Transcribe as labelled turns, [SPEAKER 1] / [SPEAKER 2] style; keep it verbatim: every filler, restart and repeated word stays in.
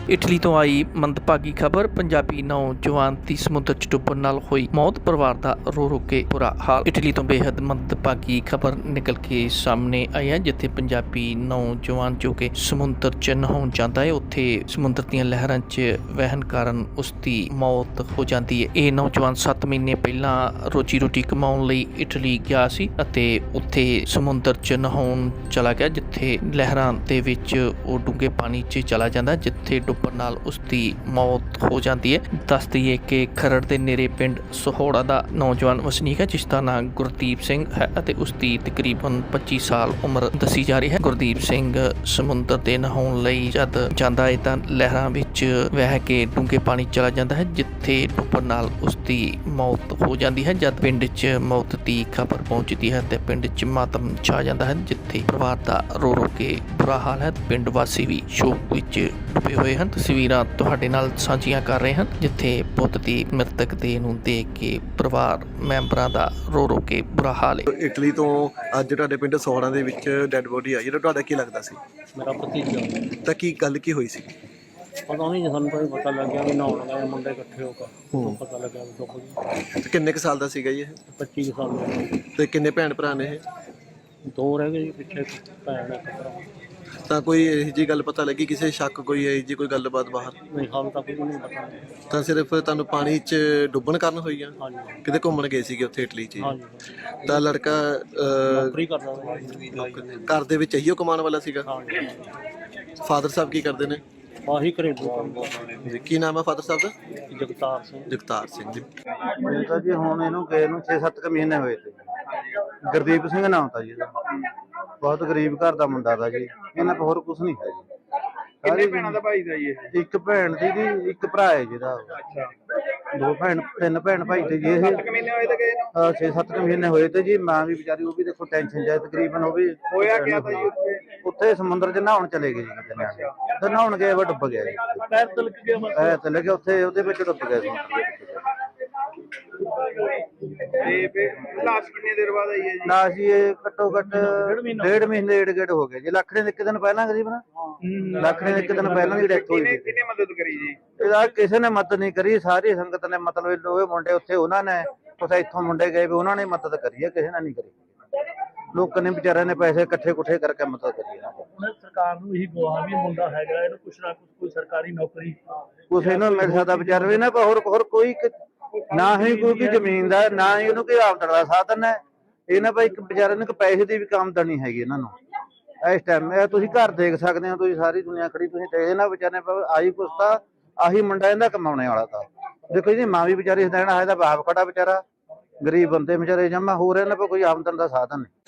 [SPEAKER 1] Italy तो आई मंदभागी खबर। पंजाबी नौजवान की समुद्र च डुੱਬਣ ਨਾਲ ਹੋਈ मौत। परिवार का रो रो के बुरा हाल। इटली तो बेहद मंदभागी खबर निकल के सामने आई है, जिथे पंजाबी नौजवान जो कि समुद्र च नहाउण जाता है, उत्थे समुद्र ਦੀਆਂ लहरां च वहन कारण उसकी मौत हो जाती है। ਇਹ नौजवान सत्त महीने ਪਹਿਲਾਂ रोजी रोटी कमाਉਣ ਲਈ इटली ਗਿਆ ਸੀ ਅਤੇ ਉੱਥੇ ਸਮੁੰਦਰ ਚ ਨਹਾਉਣ ਚਲਾ ਗਿਆ, ਜਿੱਥੇ ਲਹਿਰਾਂ ਦੇ ਵਿੱਚ ਉਹ ਡੂੰਘੇ ਪਾਣੀ 'ਚ ਚਲਾ ਜਾਂਦਾ, ਜਿੱਥੇ ਡੁੱਬਣ ਨਾਲ ਉਸਦੀ ਮੌਤ ਹੋ ਜਾਂਦੀ ਹੈ। ਦੱਸ ਦਈਏ ਕਿ ਖਰੜ ਦੇ ਨੇੜੇ ਪਿੰਡ ਸਹੋੜਾ ਦਾ ਨੌਜਵਾਨ ਵਸਨੀਕ ਹੈ, ਜਿਸ ਦਾ ਨਾਮ ਗੁਰਦੀਪ ਸਿੰਘ ਹੈ ਅਤੇ ਉਸਦੀ ਤਕਰੀਬਨ ਪੱਚੀ ਸਾਲ ਉਮਰ ਦੱਸੀ ਜਾ ਰਹੀ ਹੈ। ਗੁਰਦੀਪ ਸਿੰਘ ਸਮੁੰਦਰ ਦੇ ਨਹਾਉਣ ਲਈ ਜਦ ਜਾਂਦਾ ਹੈ ਤਾਂ ਲਹਿਰਾਂ ਵਿੱਚ ਵਹਿ ਕੇ ਡੂੰਘੇ ਪਾਣੀ ਚਲਾ ਜਾਂਦਾ ਹੈ, ਜਿੱਥੇ ਡੁੱਬਣ ਨਾਲ ਉਸਦੀ ਮੌਤ ਹੋ ਜਾਂਦੀ ਹੈ। ਜਦ ਪਿੰਡ 'ਚ ਮੌਤ ਦੀ ਖਬਰ ਪਹੁੰਚਦੀ ਹੈ ਤੇ ਪਿੰਡ 'ਚ ਮਾਤਮ ਛਾ ਜਾਂਦਾ ਹੈ, ਜਿੱਥੇ ਪਰਿਵਾਰ ਦਾ ਰੋ ਰੋ ਕੇ ਬੁਰਾ ਹਾਲ ਹੈ। ਪਿੰਡ ਵਾਸੀ ਵੀ ਸ਼ੋਕ ਵਿੱਚ ਡੁੱਬੇ ਹੋਏ ਹਨ। ਤਸਵੀਰਾਂ ਤੁਹਾਡੇ ਨਾਲ ਸਾਂਝੀਆਂ ਕਰ ਰਹੇ ਹਨ, ਜਿੱਥੇ ਪੁੱਤ ਦੀ ਮ੍ਰਿਤਕ ਦੇਹ ਨੂੰ ਦੇਖ ਕੇ ਪਰਿਵਾਰ ਮੈਂਬਰਾਂ ਦਾ ਰੋ ਰੋ ਕੇ ਬੁਰਾ ਹਾਲ ਹੈ।
[SPEAKER 2] ਇਟਲੀ ਤੋਂ ਅੱਜ ਤੁਹਾਡੇ ਪਿੰਡ ਸੋਹਣਾ ਦੇ ਵਿੱਚ ਡੈੱਡ ਬੋਡੀ ਆਈ, ਜਿਹੜਾ ਤੁਹਾਡਾ ਕੀ ਲੱਗਦਾ ਸੀ?
[SPEAKER 3] ਮੇਰਾ ਭਤੀਜਾ।
[SPEAKER 2] ਤਾਂ ਕੀ ਗੱਲ ਕੀ ਹੋਈ ਸੀ?
[SPEAKER 3] ਪਤਾ ਨਹੀਂ, ਸਾਨੂੰ ਤਾਂ ਪਤਾ ਲੱਗਿਆ ਵੀ ਨਹਾਉਣ ਗਏ ਮੁੰਡੇ ਇਕੱਠੇ ਹੋ ਕੇ, ਉਦੋਂ ਪਤਾ ਲੱਗਿਆ ਵੀ ਡੁੱਬ ਗਏ।
[SPEAKER 2] ਤੇ ਕਿੰਨੇ ਕੁ ਸਾਲ ਦਾ ਸੀਗਾ ਜੀ ਇਹ?
[SPEAKER 3] ਪੱਚੀ ਕੁ ਸਾਲ ਦਾ।
[SPEAKER 2] ਤੇ ਕਿੰਨੇ ਭੈਣ ਭਰਾ ਨੇ ਇਹ?
[SPEAKER 3] ਦੋ ਰਹਿ ਗਏ ਜੀ, ਪਿੱਛੇ ਇੱਕ ਭੈਣ ਇੱਕ ਭਰਾ।
[SPEAKER 2] ਤਾਂ ਕੋਈ ਇਹੋ ਜਿਹੀ ਗੱਲ ਪਤਾ ਲੱਗੀ, ਕਿਸੇ ਸ਼ੱਕ ਕੋਈ ਇਹੋ ਜਿਹੀ ਕੋਈ ਗੱਲਬਾਤ ਬਾਹਰ?
[SPEAKER 3] ਨਹੀਂ, ਹਾਲ ਤੱਕ ਵੀ ਨਹੀਂ ਪਤਾ।
[SPEAKER 2] ਤਾਂ ਸਿਰਫ ਤੁਹਾਨੂੰ ਪਾਣੀ 'ਚ ਡੁੱਬਣ ਕਾਰਨ ਹੋਈ ਆ?
[SPEAKER 3] ਹਾਂਜੀ
[SPEAKER 2] ਕਿਤੇ ਘੁੰਮਣ ਗਏ ਸੀਗੇ ਉੱਥੇ ਇਟਲੀ 'ਚ ਹੀ?
[SPEAKER 3] ਹਾਂਜੀ।
[SPEAKER 2] ਤਾਂ ਲੜਕਾ ਅਹ,
[SPEAKER 3] ਨੌਕਰੀ ਕਰਦਾ
[SPEAKER 2] ਘਰ ਦੇ ਵਿੱਚ ਇਹੀ ਕਮਾਉਣ ਵਾਲਾ ਸੀਗਾ?
[SPEAKER 3] ਹਾਂਜੀ।
[SPEAKER 2] ਫਾਦਰ ਸਾਹਿਬ ਕੀ ਕਰਦੇ ਨੇ?
[SPEAKER 3] ਆਹੀ ਘਰੇਲੂ ਕੰਮ।
[SPEAKER 2] ਜੀ ਕੀ ਨਾਮ ਹੈ ਫਾਦਰ ਸਾਹਿਬ ਦਾ?
[SPEAKER 3] ਜਗਤਾਰ ਸਿੰਘ।
[SPEAKER 2] ਜਗਤਾਰ ਸਿੰਘ ਜੀ।
[SPEAKER 4] ਇਹ ਤਾਂ ਜੀ ਹੁਣ ਇਹਨੂੰ ਗਏ ਨੂੰ ਛੇ ਸੱਤ ਕੁ ਮਹੀਨੇ ਹੋਏ ਤੇ। ਗੁਰਦੀਪ ਸਿੰਘ ਨਾਮ ਤਾਂ ਜੀ ਇਹਦਾ। ਬਹੁਤ ਗਰੀਬ ਘਰ ਦਾ ਮੁੰਡਾ ਦਾ ਜੀ, ਇਹਨਾਂ ਕੋਲ ਹੋਰ ਕੁਝ ਨਹੀਂ ਹੈ ਜੀ। ਕਿੰਨੇ ਭੈਣਾਂ ਦਾ ਭਾਈ ਦਾ ਜੀ ਇਹ? ਇੱਕ ਭੈਣ ਦੀ ਜੀ, ਇੱਕ ਭਰਾ ਹੈ ਜਿਹਦਾ। ਦੋ ਭੈਣ ਤਿੰਨ ਭੈਣ ਭਾਈ ਤੇ ਜੀ। ਇਹ ਮਹੀਨੇ ਹੋਏ ਤੇ ਗਏ ਨੂੰ? ਛੇ ਸੱਤ ਕੁ ਮਹੀਨੇ ਹੋਏ ਤੇ ਜੀ। ਮਾਂ ਵੀ ਵਿਚਾਰੀ, ਉਹ ਵੀ ਦੇਖੋ ਟੈਨਸ਼ਨ ਜਾਏ ਤਕਰੀਬਨ। ਉਹ ਵੀ ਹੋਇਆ ਗਿਆ ਤਾਂ ਜੀ ਉੱਥੇ ਉੱਥੇ ਸਮੁੰਦਰ 'ਚ ਨਹਾਉਣ ਚਲੇ ਗਏ ਜੀ ਕਿਤੇ ਨਿਆਣੇ। ਤੇ ਨਹਾਉਣ ਗਏ, ਉਹ ਡੁੱਬ ਗਿਆ ਜੀ।
[SPEAKER 3] ਪੈਰ ਤਲਕ ਗਿਆ।
[SPEAKER 4] ਪੈਰ ਤਲੇ ਗਿਆ ਉੱਥੇ, ਉਹਦੇ ਵਿੱਚ ਡੁੱਬ ਗਿਆ ਸਮੁੰਦਰ ਦੇ ਵਿੱਚ।
[SPEAKER 5] ਤੇ ਫਿਰ ਲਾਸ਼ ਕਿੰਨੇ ਦੇਰ ਬਾਅਦ ਆਈ ਹੈ ਜੀ?
[SPEAKER 4] ਲਾਸ਼ ਜੀ ਇਹ ਘੱਟੋ ਘੱਟ ਡੇਢ ਮਹੀਨੇ ਡੇਢ ਗੇੜ ਹੋ ਗਿਆ ਜੀ। ਲੱਖੜੇ ਦੇ ਇੱਕ ਦਿਨ ਪਹਿਲਾਂ ਕਰੀਬਨ ਲੱਖੜੇ ਦੇ ਇੱਕ ਦਿਨ ਪਹਿਲਾਂ ਦੀ ਡੈਥ ਹੋਈ ਜੀ।
[SPEAKER 5] ਕਿਹਨੇ ਮਦਦ ਕਰੀ ਜੀ?
[SPEAKER 4] ਇਹਦਾ ਕਿਸੇ ਨੇ ਮਦਦ ਨਹੀਂ ਕਰੀ, ਸਾਰੀ ਸੰਗਤ ਨੇ, ਮਤਲਬ ਉਹ ਮੁੰਡੇ ਉੱਥੇ ਉਹਨਾਂ ਨੇ ਕੁਛ ਇੱਥੋਂ ਮੁੰਡੇ ਗਏ ਵੀ ਉਹਨਾਂ ਨੇ ਮਦਦ ਕਰੀ ਹੈ, ਕਿਸੇ ਨੇ ਨਹੀਂ ਕਰੀ। ਲੋਕਾਂ ਨੇ ਵਿਚਾਰਿਆਂ ਨੇ ਪੈਸੇ ਇਕੱਠੇ ਕੁੱਠੇ ਕਰਕੇ ਮਦਦ ਕਰੀ ਹੈ।
[SPEAKER 3] ਹੁਣ ਸਰਕਾਰ ਨੂੰ ਇਹੀ ਗੋਹਾ ਵੀ ਮੁੰਡਾ ਹੈਗਾ, ਇਹਨੂੰ ਕੁਛ ਨਾ ਕੁਛ ਕੋਈ ਸਰਕਾਰੀ ਨੌਕਰੀ
[SPEAKER 4] ਕੁਛ ਇਹਨੂੰ ਮਿਲ ਸਕਦਾ ਵਿਚਾਰੇ ਵੀ ਨਾ। ਹੋਰ ਹੋਰ ਕੋਈ ਨਾ ਹੀ ਕੋਈ ਜ਼ਮੀਨ ਦਾ, ਨਾ ਹੀ ਉਹਨੂੰ ਕੋਈ ਆਮਦਨ ਦਾ ਸਾਧਨ ਹੈ। ਇਹ ਨਾ ਭਾਈ ਇੱਕ ਵਿਚਾਰੇ ਨੂੰ ਪੈਸੇ ਦੀ ਵੀ ਆਮਦਨੀ ਹੈਗੀ ਇਹਨਾਂ ਨੂੰ ਇਸ ਟਾਈਮ। ਇਹ ਤੁਸੀਂ ਘਰ ਦੇਖ ਸਕਦੇ ਹੋ, ਤੁਸੀਂ ਸਾਰੀ ਦੁਨੀਆ ਖੜੀ, ਤੁਸੀਂ ਤੇ ਇਹਨਾਂ ਵਿਚਾਰੇ ਆਹੀ ਕੁਛ ਤਾਂ ਆਹੀ ਮੁੰਡਾ ਇਹਦਾ ਕਮਾਉਣੇ ਵਾਲਾ ਤਾਂ। ਦੇਖੋ ਜੀ, ਮਾਂ ਵੀ ਵਿਚਾਰੀ ਦੇਣਾ ਹੈ, ਇਹਦਾ ਬਾਪ ਖੜਾ ਵਿਚਾਰਾ, ਗਰੀਬ ਬੰਦੇ ਵਿਚਾਰੇ ਜਮਾ ਹੋ ਰਹੇ ਨੇ, ਕੋਈ ਆਮਦਨ ਦਾ ਸਾਧਨ ਨਹੀਂ।